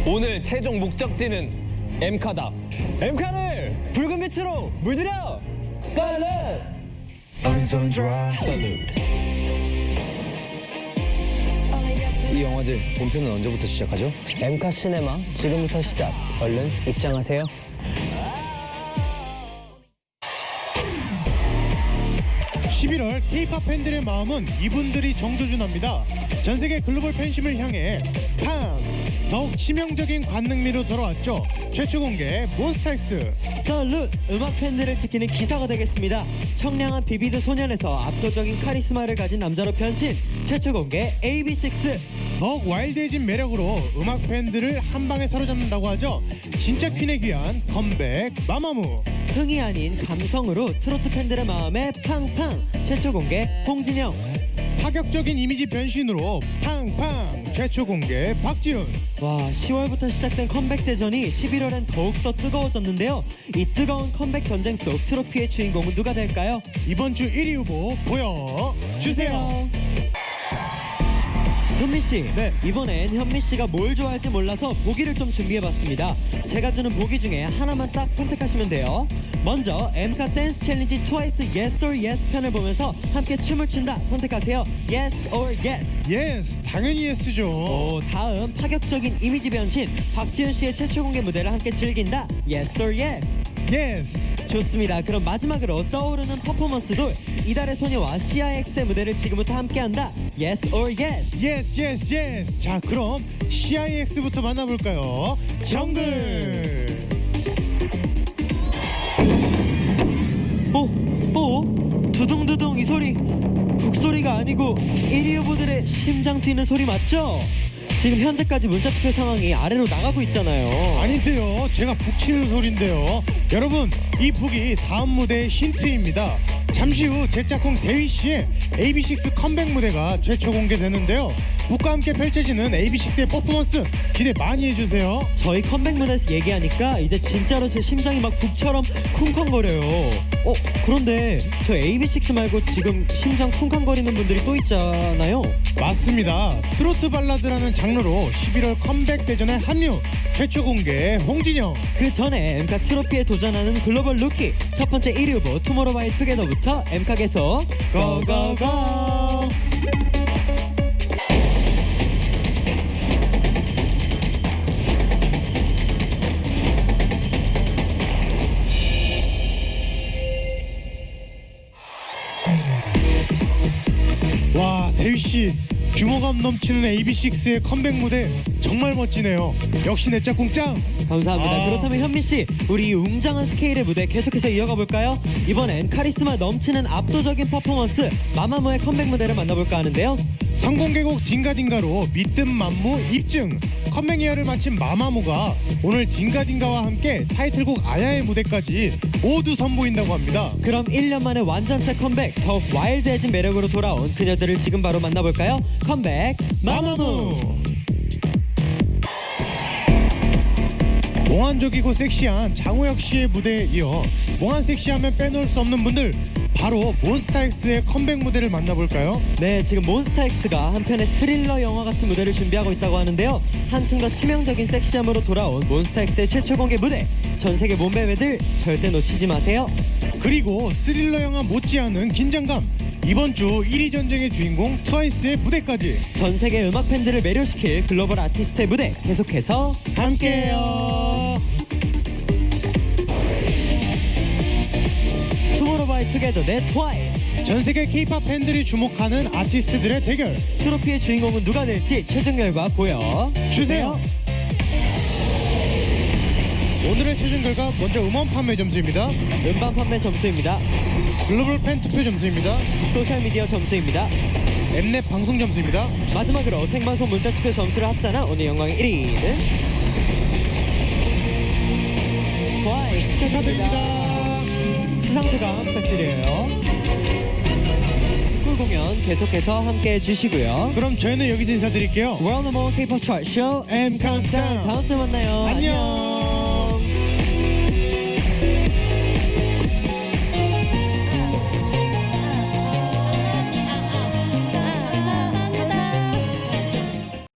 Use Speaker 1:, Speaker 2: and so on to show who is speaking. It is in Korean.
Speaker 1: 오늘 최종 목적지는 엠카다.
Speaker 2: 엠카를 붉은 빛으로 물들여!
Speaker 3: 이 영화들 본편은 언제부터 시작하죠?
Speaker 2: 엠카 시네마 지금부터 시작. 얼른 입장하세요.
Speaker 4: (11월) K-POP 팬들의 마음은 이분들이 정조준합니다. 전세계 글로벌 팬심을 향해 팡! 더욱 치명적인 관능미로 돌아왔죠. 최초 공개 몬스타엑스.
Speaker 2: 썰룻! 음악 팬들을 지키는 기사가 되겠습니다. 청량한 비비드 소년에서 압도적인 카리스마를 가진 남자로 변신. 최초 공개 AB6IX.
Speaker 4: 더욱 와일드해진 매력으로 음악 팬들을 한 방에 사로잡는다고 하죠. 진짜 퀸에 귀한 컴백 마마무.
Speaker 2: 흥이 아닌 감성으로 트로트 팬들의 마음에 팡팡. 최초 공개 홍진영.
Speaker 4: 파격적인 이미지 변신으로 팡팡. 최초 공개 박지훈.
Speaker 2: 와, 10월부터 시작된 컴백 대전이 11월엔 더욱더 뜨거워졌는데요. 이 뜨거운 컴백 전쟁 속 트로피의 주인공은 누가 될까요?
Speaker 4: 이번 주 1위 후보 보여주세요.
Speaker 2: 현미씨,
Speaker 4: 네.
Speaker 2: 이번엔 현미씨가 뭘 좋아할지 몰라서 보기를 좀 준비해봤습니다. 제가 주는 보기 중에 하나만 딱 선택하시면 돼요. 먼저 엠카 댄스 챌린지 트와이스 Yes or Yes 편을 보면서 함께 춤을 춘다 선택하세요. Yes or Yes.
Speaker 4: 예스, 당연히 예스죠.
Speaker 2: 다음 파격적인 이미지 변신 박지훈 씨의 최초 공개 무대를 함께 즐긴다. Yes or Yes.
Speaker 4: 예스.
Speaker 2: 좋습니다. 그럼 마지막으로 떠오르는 퍼포먼스도 이달의 소녀와 CIX의 무대를 지금부터 함께한다. Yes or Yes.
Speaker 4: 예스 예스 예스. 자, 그럼 CIX부터 만나볼까요? 정글.
Speaker 2: 두둥두둥 이 소리 북소리가 아니고 1위 후보들의 심장 뛰는 소리 맞죠? 지금 현재까지 문자투표 상황이 아래로 나가고 있잖아요.
Speaker 4: 아닌데요, 제가 북 치는 소린데요. 여러분, 이 북이 다음 무대의 힌트입니다. 잠시 후 제 짝꿍 대휘씨의 AB6IX 컴백 무대가 최초 공개되는데요. 북과 함께 펼쳐지는 AB6IX의 퍼포먼스 기대 많이 해주세요.
Speaker 2: 저희 컴백 무대에서 얘기하니까 이제 진짜로 제 심장이 막 북처럼 쿵쾅거려요. 그런데 저 AB6IX 말고 지금 심장 쿵쾅거리는 분들이 또 있잖아요.
Speaker 4: 맞습니다. 트로트 발라드라는 장르로 11월 컴백 대전에 합류. 최초 공개 홍진영.
Speaker 2: 그 전에 엠카 트로피에 도전하는 글로벌 루키 첫 번째 1위 후보 투모로우바이투게더부터 엠카 계속 고고고.
Speaker 4: 와, 대휘씨 규모감 넘치는 AB6IX의 컴백 무대 정말 멋지네요. 역시 내 짝꿍 짱.
Speaker 2: 감사합니다. 그렇다면 현미씨, 우리 이 웅장한 스케일의 무대 계속해서 이어가 볼까요? 이번엔 카리스마 넘치는 압도적인 퍼포먼스 마마무의 컴백 무대를 만나볼까 하는데요.
Speaker 4: 성공개곡 딩가딩가로 믿음 만무 입증. 컴백 이어를 마친 마마무가 오늘 딩가딩가와 함께 타이틀곡 아야의 무대까지 모두 선보인다고 합니다.
Speaker 2: 그럼 1년 만에 완전체 컴백, 더욱 와일드해진 매력으로 돌아온 그녀들을 지금 바로 만나볼까요? 컴백 마마무.
Speaker 4: 몽환적이고 섹시한 장우혁 씨의 무대에 이어 몽환 섹시하면 빼놓을 수 없는 분들, 바로 몬스타엑스의 컴백 무대를 만나볼까요?
Speaker 2: 네, 지금 몬스타엑스가 한편의 스릴러 영화 같은 무대를 준비하고 있다고 하는데요. 한층 더 치명적인 섹시함으로 돌아온 몬스타엑스의 최초 공개 무대, 전 세계 몸매매들 절대 놓치지 마세요.
Speaker 4: 그리고 스릴러 영화 못지않은 긴장감, 이번 주 1위 전쟁의 주인공 트와이스의 무대까지
Speaker 2: 전 세계 음악 팬들을 매료시킬 글로벌 아티스트의 무대 계속해서
Speaker 4: 함께해요.
Speaker 2: 투모로우바이투게더 대 트와이스.
Speaker 4: 전 세계 K-POP 팬들이 주목하는 아티스트들의 대결.
Speaker 2: 트로피의 주인공은 누가 될지 최종 결과 보여주세요.
Speaker 4: 오늘의 최종 결과 먼저 음원 판매 점수입니다.
Speaker 2: 음반 판매 점수입니다.
Speaker 4: 글로벌 팬 투표 점수입니다.
Speaker 2: 소셜미디어 점수입니다.
Speaker 4: 엠넷 방송 점수입니다.
Speaker 2: 마지막으로 생방송 문자투표 점수를 합산한 오늘 영광의 1위는 트와이스
Speaker 4: 축하드립니다.
Speaker 2: 수상소감 부탁드려요. 쿨 공연 계속해서 함께해 주시고요.
Speaker 4: 그럼 저희는 여기서 인사드릴게요.
Speaker 2: 월드 넘버 원 K-POP 차트 쇼
Speaker 4: M 카운트다운.
Speaker 2: 다음 주에 만나요.
Speaker 4: 안녕.